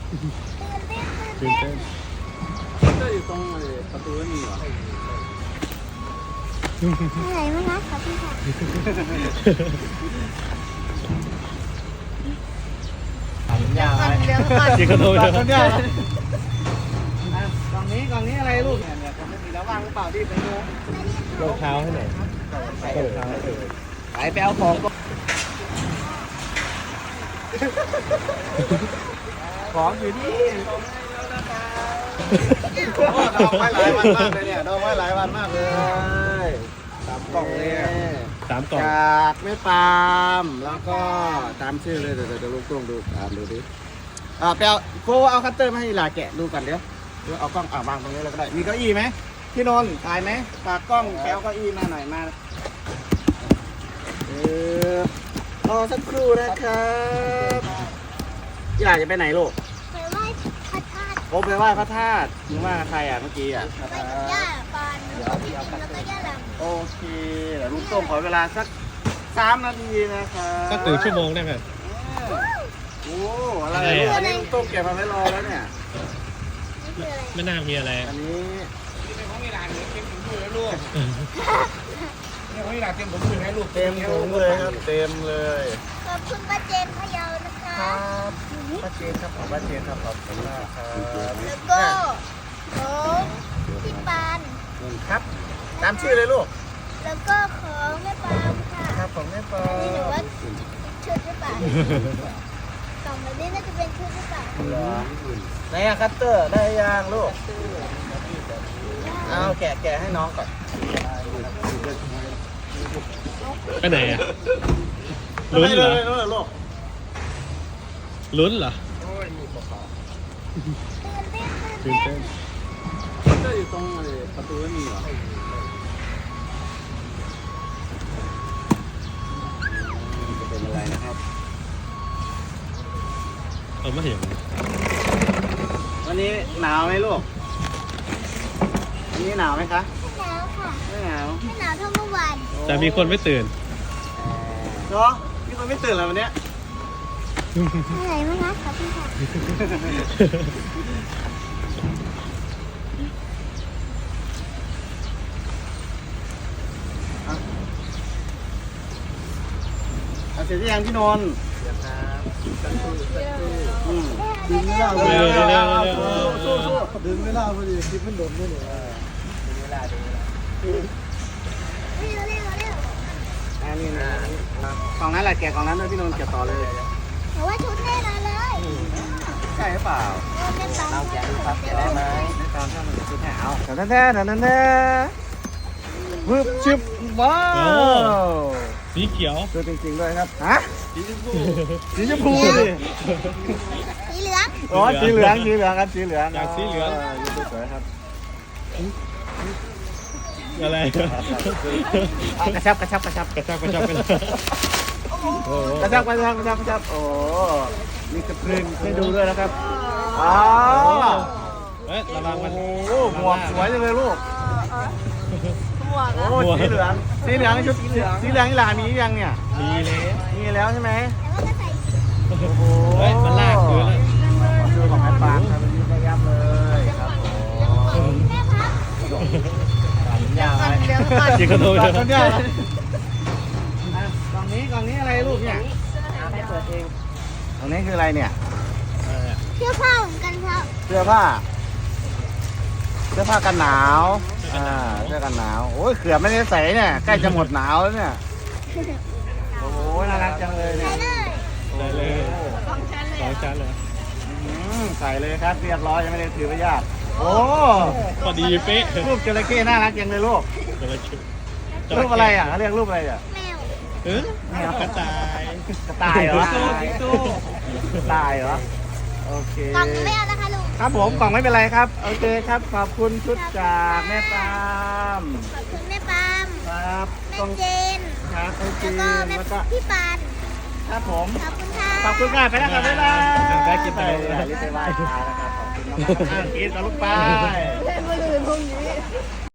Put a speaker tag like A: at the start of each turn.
A: ตื่นเต้นก็อยู่ตรงประตูนี่เหรอ
B: เหนื่อยไหมคะขอบคุณค่ะ
C: ยาวอะไร
B: เดี๋ยวก่อน
A: จีกระโดด
C: กล่องนี้อะไรลูกเนี่ยผมไม่มีแล้วว่างหรือเปล่าที่ไปดู
A: รองเท้าให้หน่อย
C: ไปเอาของของอยู่นี่ดองไว้หลายวันมากเลยเนี่ยดองไว้หลายวันมากเลยตามกล่องเลย
A: 3 กล่อง
C: จากแม่ปามแล้วก็ตามชื่อเลยเดี๋ยวลูกต้องดูอ่านดูดิไปเอาโฟเอาคัตเตอร์มาให้หลาแกะดูก่อนเดี๋ยวเอากล้องวางตรงนี้เลยก็ได้มีเก้าอี้ไหมพี่นนท์ถ่ายไหมฝากกล้องแปเอาเก้าอี้มาหน่อยมารอสักครู่นะครับอยากจะไปไหนลูก
B: ไปไหว้พระธาตุ
C: โอ้ไปไหว้พระธาตุมึงว่าใครเมื่อกี้
B: ไปกับย่าปานแล้วก็ย่าล
C: โอเคเดี๋ยวลุงต้มขอเวลาสัก3 นาทีนะครับ
A: ก็ตื่นชั่วโมงได้ไหม
C: โอ้อะไรอันนี้ลุงต้มเก็บมาไว้รอแล้วเนี่ย
B: ำนี่คืออะไร
A: ไม่น่ามีอะไร
C: อันนี้
D: เป็นของมีหลานเต็มถุงมือให้ลูกเนี่ยของมีหลานเต็มถุงมือให้ลูก
C: เต็มถุงเลยครับเต็มเลย
B: ขอบคุณป้าเจนพะเยานะคะ
C: ครับป้าเจนครับขอบป้าเจนครับขอบคุณมากครับ
B: แล้วก็ของพี่ปาน
C: ครับตามชื่อเลยลูก
B: แล้วก็ของแม่ปามค่ะ
C: ครับของแม่ปอ
B: อันนี้หนูว่าชุดหรือเปล่ากล่องแบบนี้น่าจะเป็นชุดหรือเปล่า
C: ไหนอะคัตเตอร์ได้ยังลูกเอาแกะให้น้องก่อน
A: ไปไหนอ่ะ ลุ้นเหรอ
C: ลุ้นเหรอลูก
A: ลุ้นเหรอ
B: ตื่นเต้น
A: ตื่นเต้นก็อยู่ตรงประตูนี่เหรอ
C: จะเป็นอะไรนะครับ
A: ไม่เห็น
C: วันนี้หนาวไหมลูกวันนี้หนาวไหมคะ
B: หนาวค่ะ
C: ไม่หนาว
B: ไม่หนาวเท่าเมื่อวาน
A: แต่มีคนไม่ตื่น
C: เนาะมีคนไม่ตื่นเลยวันเนี้ย
B: เหนื่อยไหมคะขอบคุณค่ะ
C: เอาเสร็จหรือยังพี่นนท์ดึงไม่ได้
A: เร็วเร็วเร็ว
C: ดึงไม่ได้พอดีคลิปมันโดนด้วยเนี่ยดึงเวลาดึงเวลา
B: เร็ว
C: อันนี้นะกล่องนั้นแหละแกะกล่องนั้นด้วยพี่นนท์แกะต่อเลย
B: หนูว่าชุดแน่นอนเลย
C: ใช่หรือเปล่า
B: แม่ปาม
C: เราแกะดูครับแกะได้ไหมไม่ตามถ้ามันจะชุดแถวแท้วึบชิบว้าว
A: สีเขียว
C: ตัวจริงๆด้วยครับฮะ
A: สีชมพู
C: สีชมพูดิ
B: สีเหลือง
C: อ๋อสีเหลืองครับสีเหลือง
A: อยากสีเหลือง
C: ยืนสวยครับ
A: อะไร
C: กระชับ
A: กระชับกัน
C: กระชับโอ้มีสปริงให้ดูด้วยนะครับอ๋อ
A: เฮ้ยระวังมัน
C: โอ้หมวกสวยจังเลยลูกโอ้สีเหลืองนี่ชุดสีเหลืองนี่หลานมียังเนี่ย
A: มีเลย
C: มีแล้วใช่ไหม
B: แล้วก็ใส่
C: โอ้โห
A: เฮ้ยมันลากพื้นเลย
C: ดูของแม่ปางครับเป็นระยับเลยครับผม
B: แม่พับ
C: ยาวอะไร
B: เดี๋ยวก่อน
A: จีกระโดด
C: กล่องนี้อะไรลูกเนี่ยให้เปิดเองกล่องนี้คืออะไรเนี่ย
B: เสื้อผ้าเหมือนกันครับ
C: เสื้อผ้ากันหนาวเสื้อกันหนาวโอ้ยเขือบไม่ได้ใส่เนี่ยใกล้จะหมดหนาวแล้วเนี่ยโอ้โหน่ารักจังเลยเนี่ย
A: ได้เลยสองชั้นเลย
C: ใส่เลยครับเรียบร้อยยังไม่ได้ถือไปยากโอ้
A: พอดีเป๊ะ
C: รูปจระเข้น่ารักจังเลยลูก
A: จระเข้
C: รูปอะไรอ่ะเขาเรียกรูปอะไรอ่ะ
B: แมว
A: เออกระต่าย
C: กระต่ายเหรอ
A: สิงโต
C: กระต่ายเหรอโอเค
B: กล่องไม่เอานะคะลุง
C: ครับผมกล่องไม่เป็นไรครับโอเคครับขอบคุณชุดจากแม่ปาม
B: ขอบคุณแม่ปาม
C: ครับ
B: แม่
C: ต้อง
B: เจน
C: ครับโอเค
B: แล้วก็แม่
C: แล้วก็
B: พี่ปาน
C: ครับผม
B: ขอบคุณค่ะ
C: ขอบคุณค่ะไปแล้วครับบ๊ายบาย
A: ไปกินไป
C: รีบไปไหว้พระนะครับขอบคุณมากๆกินต่อลูกไป